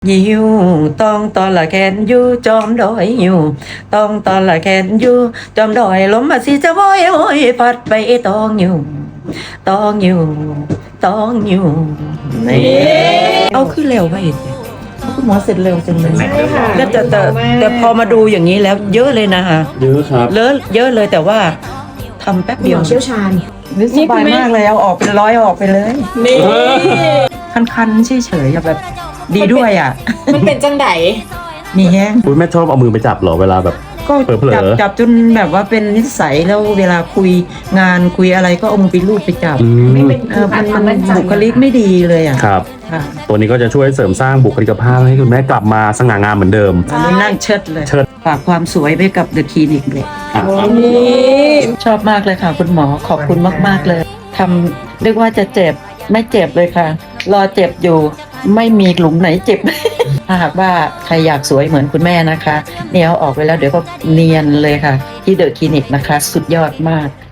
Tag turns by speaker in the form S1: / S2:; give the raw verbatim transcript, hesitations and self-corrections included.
S1: ยิวต้องตอนละแคนอยู่จอมดอยอยู่ต้องตอนละแคนอยู่จอมดอยลมมาสิจะว้อยโอยพัดไปตองอยู่ตองอยู่ตองอยู่นี่เอาขึ้นเร็วไปอีกคุณหมอเสร็จเร็วจังเลย
S2: ใช่ค่ะ
S1: แล้วแต่แต่แต่พอมาดูอย่างนี้แล้วเยอะเลยนะคะ
S3: เยอะครับ
S1: เลอะเยอะเลยแต่ว่าทำแป๊บ
S2: ห
S1: เดีย
S2: ม
S1: ว
S2: อเชี่ยวชาญ
S1: สบายมากเลยเอาออกเป็นร้อยออกไปเลย
S2: นี่
S1: คันๆเฉยๆแบบดีด้วยอ่ะ
S2: มันเป็นจังได
S1: มีแห้ง
S3: คุณแม่ชอบเอามือไปจับเหรอเวลาแบบ
S1: ก็
S3: เผลอๆ
S1: จับจับจนแบบว่าเป็นนิสัยแล้วเวลาคุยงานคุยอะไรก็เอามือไปลูบไปจับ
S3: อืม
S2: ไม่เป็น
S1: เออมันมัน
S2: มั่ใจ
S1: บุคลิกไม่ดีเลยอ่ะ
S3: ครับ
S1: ค่ะ
S3: ตัวนี้ก็จะช่วยเสริมสร้างบุคลิกภาพให้คุณแม่กลับมาสง่างามเหมือนเดิม
S1: อันนี้นั่งเชิดเลย
S3: เชิด
S1: ฝากความสวยไปกับเดอะคลินิกเลย
S3: อ่ะ
S2: นี่
S1: ชอบมากเลยค่ะ คุณหมอขอบคุณมาก ๆ เลยทำเรียกว่าจะเจ็บไม่เจ็บเลยค่ะ รอเจ็บอยู่ไม่มีหลุมไหนเจ็บ ถ้าหากว่าใครอยากสวยเหมือนคุณแม่นะคะเนี่ยเอาออกไปแล้วเดี๋ยวก็เนียนเลยค่ะ ที่เดอะคลินิกนะคะ สุดยอดมาก